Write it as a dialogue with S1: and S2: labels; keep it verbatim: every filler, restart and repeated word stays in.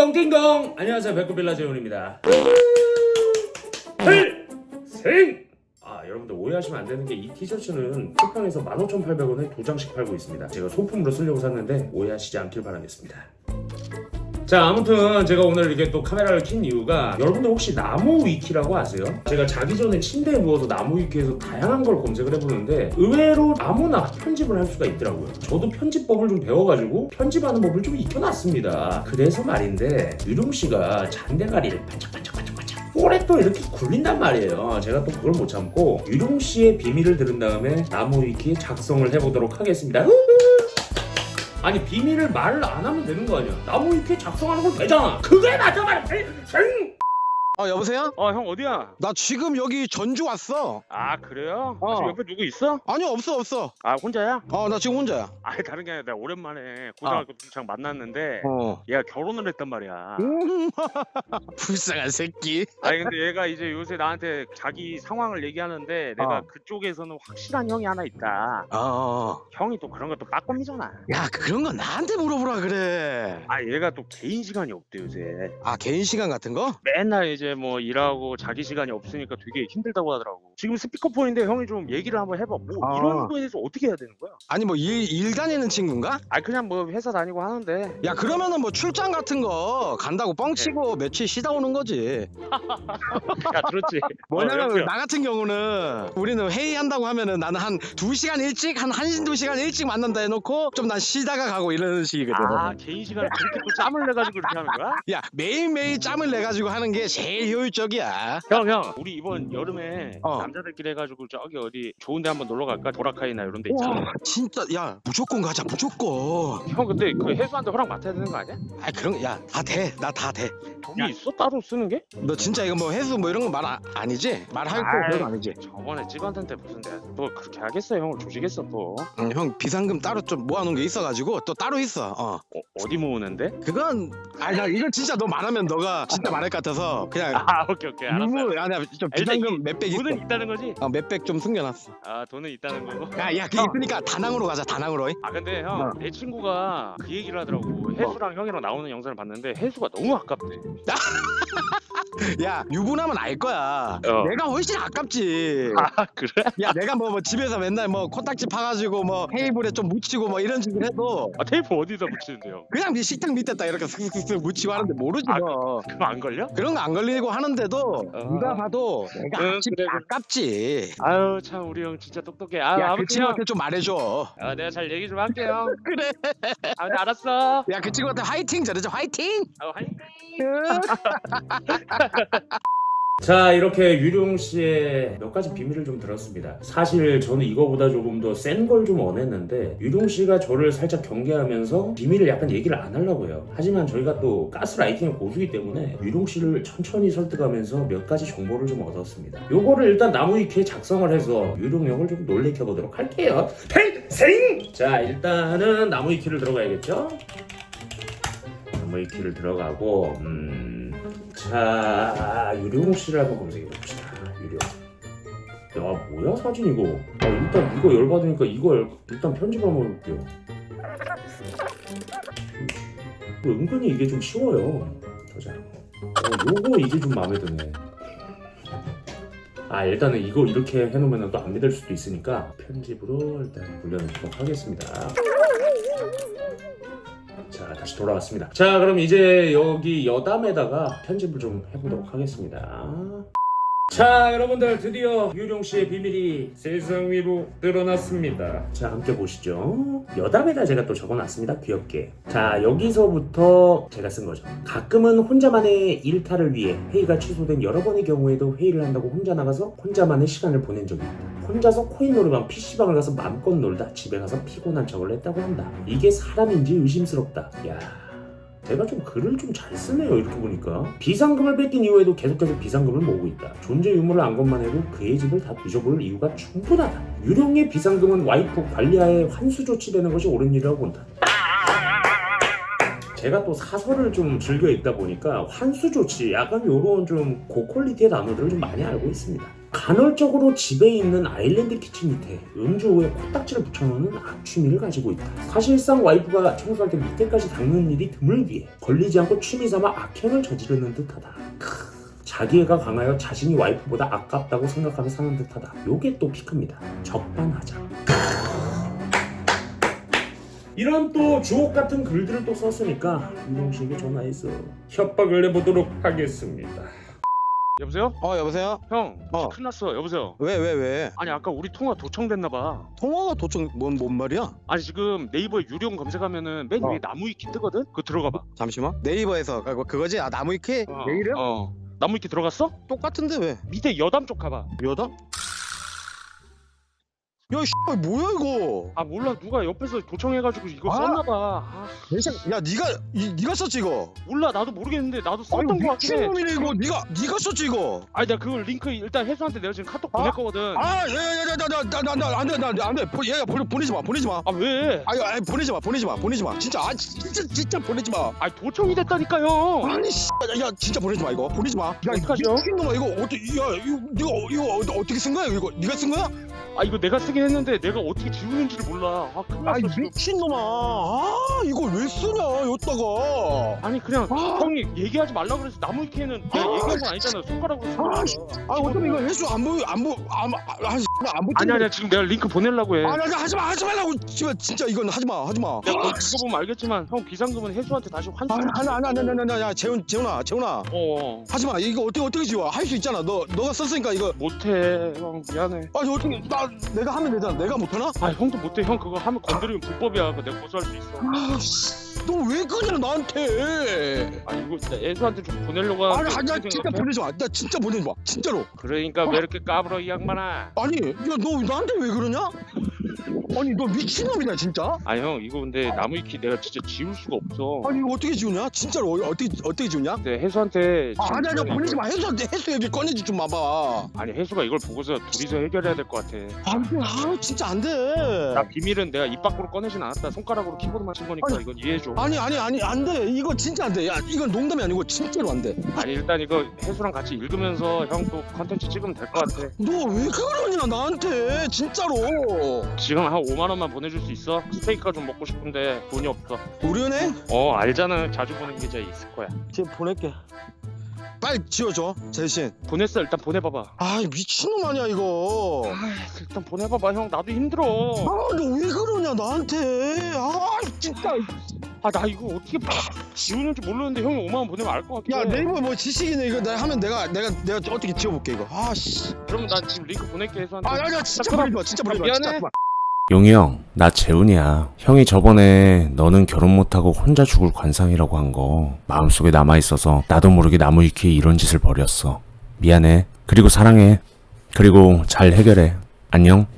S1: 띵동띵동. 안녕하세요, 백구빌라 재훈입니다. 필생. 아, 여러분들 오해하시면 안 되는 게 이 티셔츠는 쿠팡에서 만 오천팔백 원에 두 장씩 팔고 있습니다. 제가 소품으로 쓰려고 샀는데 오해하시지 않길 바라겠습니다. 자, 아무튼 제가 오늘 이렇게 또 카메라를 킨 이유가, 여러분들 혹시 나무 위키라고 아세요? 제가 자기 전에 침대에 누워서 나무 위키에서 다양한 걸 검색을 해보는데 의외로 아무나 편집을 할 수가 있더라고요. 저도 편집법을 좀 배워가지고 편집하는 법을 좀 익혀놨습니다. 그래서 말인데 유룡씨가 잔대가리를 반짝반짝반짝반짝 오래 또 이렇게 굴린단 말이에요. 제가 또 그걸 못 참고 유룡씨의 비밀을 들은 다음에 나무 위키에 작성을 해보도록 하겠습니다. 아니, 비밀을 말 안 하면 되는 거 아니야? 나무 위키에 작성하는 건 되잖아. 그게 맞아 말이야.
S2: 어 여보세요?
S3: 어, 형 어디야?
S2: 나 지금 여기 전주 왔어.
S3: 아, 그래요?
S2: 어.
S3: 아, 지금 옆에 누구 있어?
S2: 아니 없어 없어.
S3: 아, 혼자야?
S2: 어 나 지금 혼자야.
S3: 아니, 다른 게 아니라 내가 오랜만에 고등학교 동창 만났는데
S2: 어.
S3: 얘가 결혼을 했단 말이야.
S2: 음, 불쌍한 새끼.
S3: 아니, 근데 얘가 이제 요새 나한테 자기 상황을 얘기하는데 내가
S2: 어.
S3: 그쪽에서는 확실한 형이 하나 있다.
S2: 어, 어.
S3: 형이 또 그런 것도 빠꼼이잖아.
S2: 야 그런 거 나한테 물어보라 그래.
S3: 아, 얘가 또 개인 시간이 없대 요새.
S2: 아 개인 시간 같은 거?
S3: 맨날 이제 뭐 일하고 자기 시간이 없으니까 되게 힘들다고 하더라고. 지금 스피커폰인데 형이 좀 얘기를 한번 해봐. 뭐
S2: 아.
S3: 이런 거에 대해서 어떻게 해야 되는 거야?
S2: 아니 뭐 일 일 다니는 친구인가?
S3: 아, 그냥 뭐 회사 다니고 하는데.
S2: 야 그러면은 뭐 출장 같은 거 간다고 뻥치고 며칠 쉬다 오는 거지.
S3: 야, 들었지?
S2: 뭐냐면
S3: 어,
S2: 나 같은 경우는 우리는 회의한다고 하면은 나는 한 두 시간 일찍 한 한 두 시간 일찍 만난다 해놓고 좀 난 쉬다가 가고 이러는 식이거든.
S3: 아, 개인 시간에 그렇게 또 짬을 내가지고 이렇게 하는 거야?
S2: 야 매일매일 짬을 내가지고 하는 게 제일 효율적이야.
S3: 형, 형, 우리 이번 여름에
S2: 어.
S3: 남자들끼리 해가지고 저기 어디 좋은데 한번 놀러 갈까? 보라카이나 이런 데 있잖아.
S2: 와 진짜 야 무조건 가자 무조건.
S3: 형, 근데 그 해수한테 허락 맡아야 되는 거 아니야?
S2: 아 그런 야 다 돼 나 다 돼.
S3: 돈이 있어? 따로 쓰는 게?
S2: 너 진짜 이거 뭐 해수 뭐 이런 거 말 아니지? 말할 거
S3: 아이.
S2: 그런 거 아니지?
S3: 저번에 찍었는데 무슨 내가 또 그렇게 하겠어? 형을 조지겠어 또?
S2: 응, 형 비상금 따로 좀 모아놓은 게 있어가지고 또 따로 있어. 어
S3: 어, 어디 모으는데?
S2: 그건 아니 나 이건 진짜 너 말하면 너가 진짜 말할 것 같아서 그냥
S3: 아, 오케이 오케이, 알았어.
S2: 유무 아니야 좀
S3: 일단
S2: 비상금 몇백 있어.
S3: 돈은 있다는 거지?
S2: 어 몇백 좀 숨겨놨어.
S3: 아, 돈은 있다는 거고.
S2: 야야 그게 있으니까 다낭으로 가자 다낭으로.
S3: 아, 근데 형,
S2: 어.
S3: 내 친구가 그 얘기를 하더라고. 해수랑 형이랑 나오는 영상을 봤는데 해수가 너무 아깝대.
S2: 야 유부남은 알 거야.
S3: 어.
S2: 내가 훨씬 아깝지.
S3: 아, 그래?
S2: 야 내가 뭐, 뭐 집에서 맨날 뭐 코딱지 파가지고 뭐 테이블에 좀 묻히고 뭐 이런 식으로 해도
S3: 아, 테이프 어디다 붙이는데요?
S2: 그냥 네 식탁 밑에다 이렇게 슥슥슥 묻히고 하는데 모르지
S3: 아,
S2: 너.
S3: 그거 안 걸려?
S2: 그런 거 안 걸리고 하는데도
S3: 어.
S2: 누가 봐도 내가
S3: 응,
S2: 아깝지,
S3: 그래, 그래.
S2: 아깝지.
S3: 아유, 참 우리 형 진짜 똑똑해. 아,
S2: 야 그
S3: 아무튼 형,
S2: 친구한테 좀 말해줘.
S3: 아, 내가 잘 얘기 좀 할게요.
S2: 그래.
S3: 아, 네, 알았어.
S2: 야 그 친구한테 화이팅 잘해줘 화이팅.
S3: 아, 화이팅.
S1: 자, 이렇게 유룡씨의 몇 가지 비밀을 좀 들었습니다. 사실 저는 이거보다 조금 더 센 걸 좀 원했는데 유룡씨가 저를 살짝 경계하면서 비밀을 약간 얘기를 안 하려고 해요. 하지만 저희가 또 가스라이팅의 고수이기 때문에 유룡씨를 천천히 설득하면서 몇 가지 정보를 좀 얻었습니다. 요거를 일단 나무 위키에 작성을 해서 유룡 형을 좀 놀래켜보도록 할게요. 팽생! 자, 일단은 나무 위키를 들어가야겠죠? 나무 위키를 들어가고 음... 자, 유룡 씨를 한번 검색해 봅시다. 유룡. 야, 뭐야 사진 이거? 아, 일단 이거 열받으니까 이거 열, 일단 편집 한번 해볼게요. 은근히 이게 좀 쉬워요. 보자. 어, 요거 이게 좀 마음에 드네. 아, 일단은 이거 이렇게 해놓으면 또 안 믿을 수도 있으니까 편집으로 일단 돌려놓도록 하겠습니다. 자, 다시 돌아왔습니다. 자, 그럼 이제 여기 여담에다가 편집을 좀 해보도록 하겠습니다. 자, 여러분들 드디어 유룡씨의 비밀이 세상 위로 드러났습니다. 자, 함께 보시죠. 여담에다 제가 또 적어놨습니다. 귀엽게. 자, 여기서부터 제가 쓴 거죠. 가끔은 혼자만의 일탈을 위해 회의가 취소된 여러 번의 경우에도 회의를 한다고 혼자 나가서 혼자만의 시간을 보낸 적이 있다. 혼자서 코인 노래방 피시방을 가서 맘껏 놀다 집에 가서 피곤한 척을 했다고 한다. 이게 사람인지 의심스럽다. 야, 제가 좀 글을 좀 잘 쓰네요. 이렇게 보니까 비상금을 뺏긴 이후에도 계속해서 비상금을 모으고 있다. 존재 유무를 안 것만 해도 그의 집을 다 뒤져볼 이유가 충분하다. 유령의 비상금은 와이프 관리하에 환수 조치되는 것이 옳은 일이라고 본다. 제가 또 사설을 좀 즐겨 읽다 보니까 환수 조치 약간 요런 좀 고퀄리티의 단어들을 좀 많이 알고 있습니다. 간헐적으로 집에 있는 아일랜드 키친 밑에 음주후에 코딱지를 붙여놓는 악취미를 가지고 있다. 사실상 와이프가 청소할 때 밑에까지 닦는 일이 드물기에 걸리지 않고 취미삼아 악행을 저지르는 듯하다. 크, 자기애가 강하여 자신이 와이프보다 아깝다고 생각하며 사는 듯하다. 요게 또 피크입니다. 적반하장. 이런 또 주옥 같은 글들을 또 썼으니까 유동 씨에게 전화해서 협박을 해보도록 하겠습니다.
S3: 여보세요?
S2: 어 여보세요?
S3: 형,
S2: 어.
S3: 큰일 났어. 여보세요?
S2: 왜 왜 왜?
S3: 아니 아까 우리 통화 도청됐나봐.
S2: 통화가 도청 뭔, 뭔 말이야?
S3: 아니 지금 네이버에 유령 검색하면은 맨
S2: 어.
S3: 위에 나무위키 뜨거든? 그거 들어가봐.
S2: 잠시만. 네이버에서 아, 그거지? 아 나무위키?
S3: 어,
S2: 내 이름?
S3: 어. 나무위키 들어갔어?
S2: 똑같은데 왜?
S3: 밑에 여담 쪽 가봐.
S2: 여다? 야 씨, 뭐야 이거?
S3: 아 몰라, 누가 옆에서 도청해가지고 이거
S2: 아.
S3: 썼나봐. 아,
S2: 야 네가 이, 네가 썼지 이거?
S3: 몰라, 나도 모르겠는데 나도
S2: 아니
S3: 썼던 거 같긴 해.
S2: 미친놈이네 이거. 네가 네가 썼지 이거?
S3: 아니 내가 그걸 링크 일단 혜수한테 내가 지금 카톡
S2: 아?
S3: 보낼 거거든.
S2: 아야야야야나나나나나안돼 안돼 얘 보내 보내지 마 보내지 마.
S3: 아 왜?
S2: 아유 아니 보내지 마 보내지 마 보내지 마 진짜 아 진짜 진짜 보내지 마.
S3: 아니 도청이 됐다니까요.
S2: 아니 씨, 야 진짜 보내지 마 이거 보내지 마. 야
S3: 어떡하죠?
S2: 미친놈아 이거 어떻게 야 이거 이거 이거 어- 어떻게 쓴 거야 이거? 네가 쓴 거야?
S3: 아 이거 내가 쓰긴 했는데 내가 어떻게 지우는지를 몰라. 아 큰일
S2: 아이
S3: 났어 지금.
S2: 미친놈아. 아 이걸 왜 쓰냐 여기다가.
S3: 아니 그냥
S2: 아.
S3: 형이 얘기하지 말라 그래서 나무위키에는 내가
S2: 아.
S3: 얘기한 건 아니잖아. 손가락으로 쓴
S2: 아,
S3: 거야.
S2: 씨. 아 어차피 이거 횟수 안 보여 안 보여 안안안
S3: 아니 아니야, 지금 내가 링크 보내려고 해.
S2: 아니 아니 하지 마 하지 말라고. 진짜 진짜 이건 하지 마 하지 마.
S3: 내가 그거 보면 알겠지만 형 비상금은 혜수한테 다시 환수.
S2: 아니 아니 아니 아니 아니 아니 야 재훈 재훈아 재훈아
S3: 어, 어.
S2: 하지 마. 이거 어떻게 어떻게 지워? 할 수 있잖아. 너 너가 썼으니까 이거.
S3: 못해 형, 미안해.
S2: 아니 어떻게 나 내가 하면 되잖아. 내가 못하나?
S3: 아 형도 못해. 형 그거 하면 건드리면 불법이야. 그거 내가 고소할 수 있어.
S2: 아씨 너 왜 그래 나한테?
S3: 아니 이거 진짜 혜수한테 좀 보내려고
S2: 아니
S3: 하는데
S2: 아니 나
S3: 어떻게
S2: 진짜
S3: 생각해?
S2: 보내지 마. 나 진짜 보내지 마. 진짜로.
S3: 그러니까 왜 이렇게 까불어 이 양반아.
S2: 아니 야 너 나한테 왜 그러냐? 아니 너 미친놈이다 진짜.
S3: 아 형 이거 근데 나무위키 내가 진짜 지울 수가 없어.
S2: 아니 이거 어떻게 지우냐? 진짜로 어- 어떻게 어떻게 지우냐?
S3: 근데 혜수한테
S2: 아,
S3: 지금
S2: 아니 아니
S3: 이거는
S2: 보내지 마. 해수한테 해수 얘기 꺼내지 좀 마봐.
S3: 아니 혜수가 이걸 보고서 둘이서 해결해야 될 것 같아.
S2: 안돼. 아 진짜 안 돼.
S3: 나 비밀은 내가 입 밖으로 꺼내진 않았다. 손가락으로 키보드만 친 거니까
S2: 아니.
S3: 이건 이해해줘.
S2: 아니 아니 아니 안 돼. 이거 진짜 안 돼. 야 이건 농담이 아니고 진짜로 안 돼.
S3: 아니 일단 이거 혜수랑 같이 읽으면서 형 또 컨텐츠 찍으면 될 것 같아.
S2: 너 왜 그러냐 나한테 진짜로.
S3: 지금 한 오만 원만 보내줄 수 있어? 스테이크가 좀 먹고 싶은데 돈이 없어.
S2: 우리은행?
S3: 어 알잖아, 자주 보는 계좌 있을 거야.
S2: 지금 보낼게. 빨리 지워줘 대신.
S3: 보냈어. 일단 보내봐봐.
S2: 아 미친놈 아니야 이거.
S3: 아 일단 보내봐봐 형. 나도 힘들어.
S2: 아 너 왜 그러냐 나한테. 아 진짜.
S3: 아 나 이거 어떻게 지우는지 모르는데 형이 오만 원 보내면 알 것 같아.
S2: 야 네이버 뭐 지식이네 이거. 내가 하면 내가 내가 내가 어떻게 지워볼게 이거. 아씨.
S3: 그럼 난 지금 링크 보낼게 혜수한테.
S2: 아 야야 진짜
S3: 그럼-
S2: 보내지 마. 진짜 보내지 마.
S3: 미안해.
S2: 진짜.
S1: 용이 형, 나 재훈이야. 형이 저번에 너는 결혼 못하고 혼자 죽을 관상이라고 한 거 마음속에 남아있어서 나도 모르게 나무위키에 이런 짓을 벌였어. 미안해. 그리고 사랑해. 그리고 잘 해결해. 안녕.